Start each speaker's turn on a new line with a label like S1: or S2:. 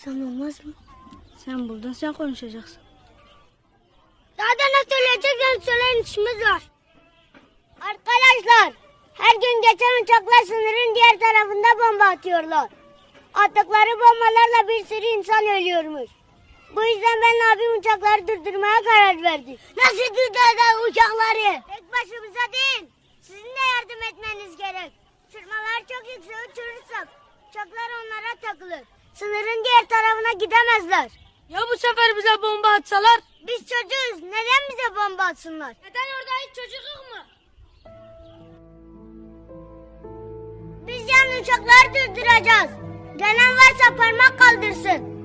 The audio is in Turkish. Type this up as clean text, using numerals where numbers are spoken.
S1: konuşsam olmaz mı?
S2: Sen buldun, sen konuşacaksın.
S1: Daha da ne söyleyeceksen söyleyin, işimiz var. Arkadaşlar, her gün geçen uçaklar sınırın diğer tarafında bomba atıyorlar. Attıkları bombalarla bir sürü insan ölüyormuş. Bu yüzden ben abim uçakları durdurmaya karar verdi. Nasıl durduracağız uçakları? Tek başımıza değil, sizin de yardım etmeniz gerek. Uçurmalar çok yüksek uçurursak uçaklar onlara takılır. Sınırın diğer tarafına gidemezler.
S2: Ya bu sefer bize bomba atsalar?
S1: Biz çocuğuz, neden bize bomba atsınlar?
S2: Neden orada hiç çocuk yok mu?
S1: Biz yani uçakları durduracağız. Gelen varsa parmak kaldırsın.